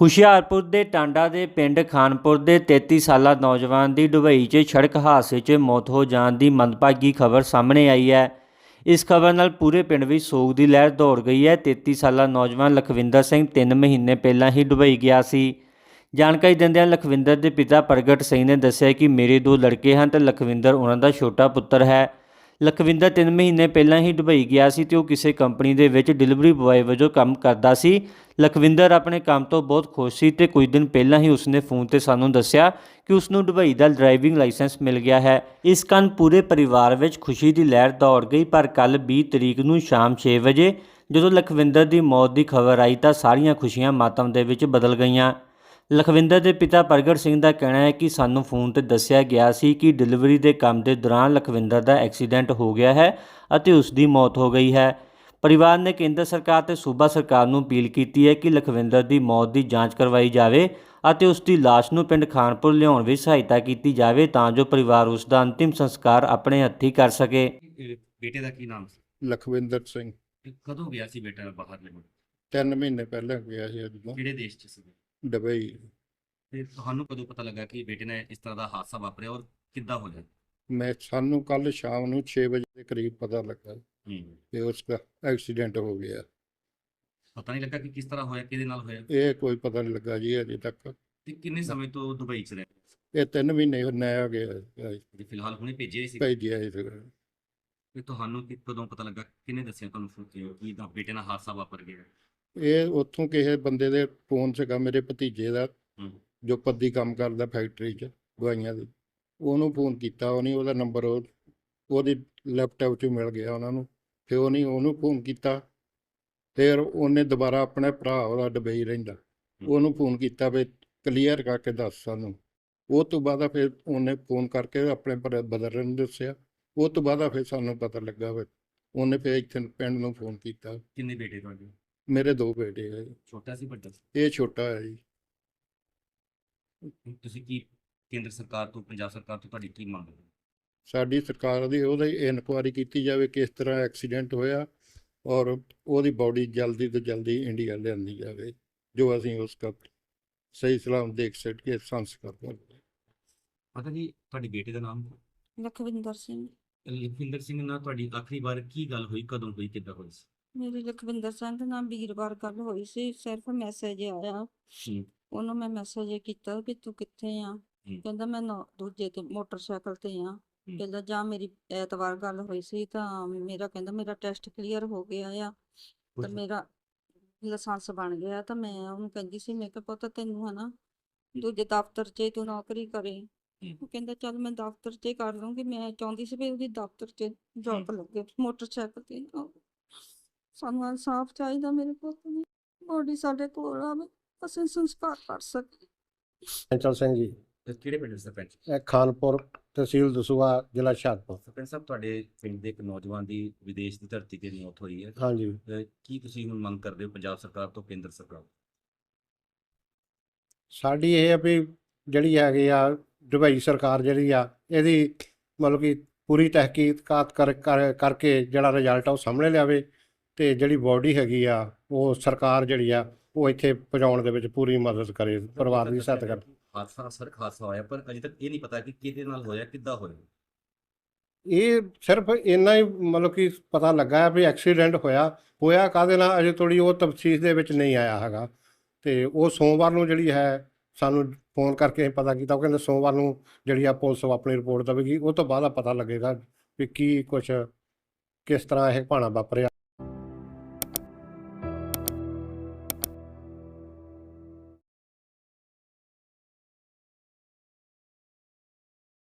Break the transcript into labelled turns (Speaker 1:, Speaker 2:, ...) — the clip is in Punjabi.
Speaker 1: ਹੁਸ਼ਿਆਰਪੁਰ ਦੇ ਟਾਂਡਾ ਦੇ ਪਿੰਡ ਖਾਨਪੁਰ ਦੇ 33 ਸਾਲਾ ਨੌਜਵਾਨ ਦੀ ਦੁਬਈ 'ਚ ਸੜਕ ਹਾਦਸੇ 'ਚ ਮੌਤ ਹੋ ਜਾਣ ਦੀ ਮੰਦਭਾਗੀ ਖਬਰ ਸਾਹਮਣੇ ਆਈ ਹੈ। ਇਸ ਖਬਰ ਨਾਲ ਪੂਰੇ ਪਿੰਡ ਵਿੱਚ ਸੋਗ ਦੀ ਲਹਿਰ ਦੌੜ ਗਈ ਹੈ। 33 ਸਾਲਾ ਨੌਜਵਾਨ ਲਖਵਿੰਦਰ ਸਿੰਘ 3 ਮਹੀਨੇ ਪਹਿਲਾਂ ਹੀ ਦੁਬਈ ਗਿਆ ਸੀ। ਜਾਣਕਾਰੀ ਦਿੰਦਿਆਂ ਲਖਵਿੰਦਰ ਦੇ ਪਿਤਾ ਪ੍ਰਗਟ ਸਿੰਘ ਨੇ ਦੱਸਿਆ ਕਿ ਮੇਰੇ 2 ਲੜਕੇ ਹਨ ਤੇ ਲਖਵਿੰਦਰ ਉਹਨਾਂ ਦਾ ਛੋਟਾ ਪੁੱਤਰ ਹੈ। ਲਖਵਿੰਦਰ 3 ਮਹੀਨੇ ਪਹਿਲਾਂ ਹੀ ਦੁਬਈ ਗਿਆ ਸੀ ਤੇ ਉਹ ਕਿਸੇ ਕੰਪਨੀ ਦੇ ਵਿੱਚ ਡਿਲੀਵਰੀ ਬੁਆਏ ਵਜੋਂ ਕੰਮ ਕਰਦਾ ਸੀ। ਲਖਵਿੰਦਰ ਆਪਣੇ ਕੰਮ ਤੋਂ ਬਹੁਤ ਖੁਸ਼ ਸੀ ਤੇ ਕੁਝ ਦਿਨ ਪਹਿਲਾਂ ਹੀ ਉਸਨੇ ਫੋਨ ਤੇ ਸਾਨੂੰ ਦੱਸਿਆ ਕਿ ਉਸ ਨੂੰ ਦੁਬਈ ਦਾ ਡਰਾਈਵਿੰਗ ਲਾਇਸੈਂਸ ਮਿਲ ਗਿਆ ਹੈ। ਇਸ ਕਾਰਨ ਪੂਰੇ ਪਰਿਵਾਰ ਵਿੱਚ ਖੁਸ਼ੀ ਦੀ ਲਹਿਰ ਦੌੜ ਗਈ। ਪਰ ਕੱਲ 20 ਤਰੀਕ ਨੂੰ ਸ਼ਾਮ 6 ਵਜੇ ਜਦੋਂ ਲਖਵਿੰਦਰ ਦੀ ਮੌਤ ਦੀ ਖਬਰ ਆਈ ਤਾਂ ਸਾਰੀਆਂ ਖੁਸ਼ੀਆਂ ਮਾਤਮ ਦੇ ਵਿੱਚ ਬਦਲ ਗਈਆਂ। ਲਖਵਿੰਦਰ ਦੇ ਪਿਤਾ ਪ੍ਰਗਟ ਸਿੰਘ ਦਾ ਕਹਿਣਾ ਹੈ ਕਿ ਸਾਨੂੰ ਫੋਨ ਤੇ ਦੱਸਿਆ ਗਿਆ ਸੀ ਕਿ ਡਿਲੀਵਰੀ ਦੇ ਕੰਮ ਦੇ ਦੌਰਾਨ ਲਖਵਿੰਦਰ ਦਾ ਐਕਸੀਡੈਂਟ ਹੋ ਗਿਆ ਹੈ ਅਤੇ ਉਸ ਦੀ ਮੌਤ ਹੋ ਗਈ ਹੈ। ਪਰਿਵਾਰ ਨੇ ਕੇਂਦਰ ਸਰਕਾਰ ਤੇ ਸੂਬਾ ਸਰਕਾਰ ਨੂੰ ਅਪੀਲ ਕੀਤੀ ਹੈ ਕਿ ਲਖਵਿੰਦਰ ਦੀ ਮੌਤ ਦੀ ਜਾਂਚ ਕਰਵਾਈ ਜਾਵੇ ਅਤੇ ਉਸ ਦੀ ਲਾਸ਼ ਨੂੰ ਪਿੰਡ ਖਾਨਪੁਰ ਲਿਆਉਣ ਵਿੱਚ ਸਹਾਇਤਾ ਕੀਤੀ ਜਾਵੇ ਤਾਂ ਜੋ ਪਰਿਵਾਰ ਉਸ ਦਾ ਅੰਤਿਮ ਸੰਸਕਾਰ ਆਪਣੇ ਹੱਥੀਂ ਕਰ ਸਕੇ।
Speaker 2: ਬੇਟੇ ਦਾ ਕੀ ਨਾਮ ਸੀ?
Speaker 3: ਲਖਵਿੰਦਰ ਸਿੰਘ।
Speaker 2: ਕਦੋਂ ਗਿਆ ਸੀ ਬੇਟਾ ਬਾਹਰ ਦੇ ਮੁਲਕ?
Speaker 3: 3 ਮਹੀਨੇ ਪਹਿਲਾਂ ਗਿਆ ਸੀ ਅੱਜ ਤੋਂ
Speaker 2: ਕਿਹੜੇ ਦੇਸ਼ 'ਚ ਸੀ?
Speaker 3: ਦੁਬਈ।
Speaker 2: ਤੇ ਤੁਹਾਨੂੰ ਕਦੋਂ ਪਤਾ ਲੱਗਾ ਕਿ ਬੇਟੇ ਨੇ ਇਸ ਤਰ੍ਹਾਂ ਦਾ ਹਾਦਸਾ ਵਾਪਰਿਆ ਔਰ ਕਿੱਦਾਂ ਹੋਇਆ?
Speaker 3: ਸਾਨੂੰ ਕੱਲ ਸ਼ਾਮ ਨੂੰ 6 ਵਜੇ ਦੇ ਕਰੀਬ ਪਤਾ ਲੱਗਾ ਕਿ ਉਸ ਦਾ ਐਕਸੀਡੈਂਟ ਹੋ ਗਿਆ।
Speaker 2: ਪਤਾ ਨਹੀਂ ਲੱਗਾ ਕਿ ਕਿਸ ਤਰ੍ਹਾਂ ਹੋਇਆ, ਕਿਹਦੇ ਨਾਲ ਹੋਇਆ?
Speaker 3: ਇਹ ਕੋਈ ਪਤਾ ਨਹੀਂ ਲੱਗਾ ਜੀ ਅਜੇ ਤੱਕ।
Speaker 2: ਤੇ ਕਿੰਨੇ ਸਮੇਂ ਤੋਂ ਦੁਬਈ 'ਚ ਰਹੇ?
Speaker 3: ਇਹ 3 ਮਹੀਨੇ ਨਇਆ ਗਿਆ
Speaker 2: ਤੇ ਫਿਲਹਾਲ ਹੁਣੇ ਭੇਜਿਆ ਸੀ?
Speaker 3: ਭੇਜਿਆ ਸੀ।
Speaker 2: ਤੇ ਤੁਹਾਨੂੰ ਕਦੋਂ ਪਤਾ ਲੱਗਾ, ਕਿਹਨੇ ਦੱਸਿਆ ਤੁਹਾਨੂੰ ਕਿ ਤਾਂ ਬੇਟੇ ਨਾਲ ਹਾਦਸਾ ਵਾਪਰ ਗਿਆ?
Speaker 3: ਇਹ ਉੱਥੋਂ ਕਿਸੇ ਬੰਦੇ ਦੇ ਫੋਨ ਸੀਗਾ, ਮੇਰੇ ਭਤੀਜੇ ਦਾ ਜੋ ਪੱਦੀ ਕੰਮ ਕਰਦਾ ਫੈਕਟਰੀ 'ਚ ਦਵਾਈਆਂ ਦੀ। ਉਹਨੂੰ ਫੋਨ ਕੀਤਾ, ਉਹਦਾ ਨੰਬਰ ਉਹਦੀ ਲੈਪਟਾਪ 'ਚ ਮਿਲ ਗਿਆ ਉਹਨਾਂ ਨੂੰ। ਫਿਰ ਉਹਨੂੰ ਫੋਨ ਕੀਤਾ। ਫਿਰ ਉਹਨੇ ਦੁਬਾਰਾ ਆਪਣੇ ਭਰਾ, ਉਹਦਾ ਦੁਬਈ ਰਹਿੰਦਾ, ਉਹਨੂੰ ਫੋਨ ਕੀਤਾ ਵੀ ਕਲੀਅਰ ਕਰਕੇ ਦੱਸ ਸਾਨੂੰ। ਉਹ ਤੋਂ ਬਾਅਦ ਫਿਰ ਉਹਨੇ ਫੋਨ ਕਰਕੇ ਆਪਣੇ ਬ੍ਰਦਰ ਨੂੰ ਦੱਸਿਆ। ਉਹ ਤੋਂ ਬਾਅਦ ਫਿਰ ਸਾਨੂੰ ਪਤਾ ਲੱਗਾ। ਫਿਰ ਉਹਨੇ ਫਿਰ ਇੱਥੇ ਪਿੰਡ ਨੂੰ ਫੋਨ ਕੀਤਾ।
Speaker 2: ਕਿੰਨੇ ਬੇਟੇ ਤੁਹਾਡੇ?
Speaker 3: ਮੇਰੇ 2 ਬੇਟੇ ਹੈ।
Speaker 2: ਛੋਟਾ ਸੀ ਵੱਡਾ ਸੀ?
Speaker 3: ਇਹ ਛੋਟਾ ਹੈ ਜੀ।
Speaker 2: ਤੁਸੀਂ ਕੀ ਕੇਂਦਰ ਸਰਕਾਰ ਤੋਂ, ਪੰਜਾਬ ਸਰਕਾਰ ਤੋਂ ਤੁਹਾਡੀ ਕੀ ਮੰਗ ਹੈ?
Speaker 3: ਸਾਡੀ ਸਰਕਾਰ ਦੀ ਉਹਦੀ ਇਨਕੁਆਇਰੀ ਕੀਤੀ ਜਾਵੇ ਕਿਸ ਤਰ੍ਹਾਂ ਐਕਸੀਡੈਂਟ ਹੋਇਆ ਔਰ ਉਹਦੀ ਬਾਡੀ ਜਲਦੀ ਤੋਂ ਜਲਦੀ ਇੰਡੀਆ ਲਿਆਂਦੀ ਜਾਵੇ ਜੋ ਅਸੀਂ ਉਸ ਦਾ ਸਹੀ ਸਲਾਮ ਦੇਖ ਸਕੀਏ, ਸੰਸਕਾਰ ਕਰ।
Speaker 2: ਪਤਾ ਜੀ ਤੁਹਾਡੇ ਬੇਟੇ ਦਾ ਨਾਮ?
Speaker 4: ਲਖਵਿੰਦਰ ਸਿੰਘ।
Speaker 2: ਲਖਵਿੰਦਰ ਸਿੰਘ ਨਾਲ ਤੁਹਾਡੀ ਆਖਰੀ ਵਾਰ ਕੀ ਗੱਲ ਹੋਈ, ਕਦੋਂ ਹੋਈ, ਕਿੱਦਾਂ ਹੋਈ ਸੀ?
Speaker 4: ਮੇਰੀ ਲਖਵਿੰਦਰ ਸਿੰਘ ਦੇ ਨਾਲ ਵੀਰਵਾਰ ਗੱਲ ਹੋਈ ਸੀ। ਸਿਰਫ ਮੈਸੇਜ ਆਇਆ, ਉਹਨੂੰ ਮੈਂ ਮੈਸੇਜ ਕੀਤਾ ਕਿ ਤੂੰ ਕਿੱਥੇ ਆ। ਕਹਿੰਦਾ ਮੈਂ ਦੂਜੇ ਤੇ ਮੋਟਰਸਾਈਕਲ ਤੇ ਆ। ਕਹਿੰਦਾ ਜਾਂ ਮੇਰੀ ਐਤਵਾਰ ਗੱਲ ਹੋਈ ਸੀ ਤਾਂ ਕਹਿੰਦਾ ਮੇਰਾ ਟੈਸਟ ਕਲੀਅਰ ਹੋ ਗਿਆ ਆ ਤਾਂ ਮੇਰਾ ਲਾਇਸੈਂਸ ਬਣ ਗਿਆ। ਤਾਂ ਮੈਂ ਉਹਨੂੰ ਕਹਿੰਦੀ ਸੀ, ਮੈਂ ਕਿਹਾ ਪੁੱਤ ਤੈਨੂੰ ਹਨਾ ਦੂਜੇ ਦਫ਼ਤਰ 'ਚ ਤੂੰ ਨੌਕਰੀ ਕਰੇ। ਉਹ ਕਹਿੰਦਾ ਚੱਲ ਮੈਂ ਦਫ਼ਤਰ 'ਚ ਕਰ ਲੂੰਗੀ। ਮੈਂ ਚਾਹੁੰਦੀ ਸੀ ਵੀ ਉਹਦੀ ਦਫ਼ਤਰ 'ਚ ਜੌਬ ਲੱਗੇ ਮੋਟਰਸਾਈਕਲ ਤੇ। ਸਾਨੂੰ ਇਨਸਾਫ ਚਾਹੀਦਾ, ਮੇਰੇ ਪੁੱਤ ਦੀ ਬੋਡੀ ਸਾਡੇ ਕੋਲ ਆਵੇ, ਅਸੀਂ ਸੰਸਕਾਰ ਕਰ ਸਕੀਏ।
Speaker 5: ਚੰਚਲ ਸਿੰਘ ਜੀ।
Speaker 2: ਕਿਹੜੇ ਪਿੰਡ ਸਰਪੰਚ?
Speaker 5: ਇਹ ਖਾਨਪੁਰ, ਤਹਿਸੀਲ ਦਸੂਹਾ, ਜ਼ਿਲ੍ਹਾ ਹੁਸ਼ਿਆਰਪੁਰ।
Speaker 2: ਸਰਪੰਚ ਸਾਹਿਬ, ਤੁਹਾਡੇ ਪਿੰਡ ਦੇ ਇੱਕ ਨੌਜਵਾਨ ਦੀ ਵਿਦੇਸ਼ ਦੀ ਧਰਤੀ ਤੇ ਮੌਤ ਹੋਈ ਹੈ।
Speaker 5: ਹਾਂਜੀ।
Speaker 2: ਕੀ ਤੁਸੀਂ ਹੁਣ ਮੰਗ ਕਰਦੇ ਹੋ ਪੰਜਾਬ ਸਰਕਾਰ ਤੋਂ, ਕੇਂਦਰ ਸਰਕਾਰ ਤੋਂ?
Speaker 5: ਸਾਡੀ ਇਹ ਆ ਵੀ ਜਿਹੜੀ ਹੈਗੀ ਆ ਦੁਬਈ ਸਰਕਾਰ ਜਿਹੜੀ ਆ ਇਹਦੀ ਮਤਲਬ ਕਿ ਪੂਰੀ ਤਹਿਕੀਕਾਤ ਕਰਕੇ ਜਿਹੜਾ ਰਿਜ਼ਲਟ ਆ ਉਹ ਸਾਹਮਣੇ ਲਿਆਵੇ ਅਤੇ ਜਿਹੜੀ ਬੋਡੀ ਹੈਗੀ ਆ ਉਹ ਸਰਕਾਰ ਜਿਹੜੀ ਆ ਉਹ ਇੱਥੇ ਪਹੁੰਚਾਉਣ ਦੇ ਵਿੱਚ ਪੂਰੀ ਮਦਦ ਕਰੇ, ਪਰਿਵਾਰ ਦੀ ਸਹਾਇਤਾ ਕਰੇ।
Speaker 2: ਸੜਕ ਹਾਦਸਾ ਹੋਇਆ ਪਰ ਅਜੇ ਤੱਕ ਇਹ ਨਹੀਂ ਪਤਾ ਕਿ ਕਿਹਦੇ ਨਾਲ ਹੋਇਆ, ਕਿੱਦਾਂ ਹੋਇਆ।
Speaker 5: ਇਹ ਸਿਰਫ ਇੰਨਾ ਹੀ ਮਤਲਬ ਕਿ ਪਤਾ ਲੱਗਾ ਵੀ ਐਕਸੀਡੈਂਟ ਹੋਇਆ ਕਾਹਦੇ ਨਾਲ ਅਜੇ ਥੋੜ੍ਹੀ ਉਹ ਤਫਸੀਲ ਦੇ ਵਿੱਚ ਨਹੀਂ ਆਇਆ ਹੈਗਾ। ਅਤੇ ਉਹ ਸੋਮਵਾਰ ਨੂੰ ਜਿਹੜੀ ਹੈ ਸਾਨੂੰ ਫੋਨ ਕਰਕੇ ਪਤਾ ਕੀਤਾ। ਉਹ ਕਹਿੰਦੇ ਸੋਮਵਾਰ ਨੂੰ ਜਿਹੜੀ ਆ ਪੁਲਿਸ ਆਪਣੀ ਰਿਪੋਰਟ ਦੇਵੇਗੀ, ਉਹ ਤੋਂ ਬਾਅਦ ਪਤਾ ਲੱਗੇਗਾ ਵੀ ਕੀ ਕੁਛ ਕਿਸ ਤਰ੍ਹਾਂ ਇਹ ਭਾਣਾ ਵਾਪਰਿਆ।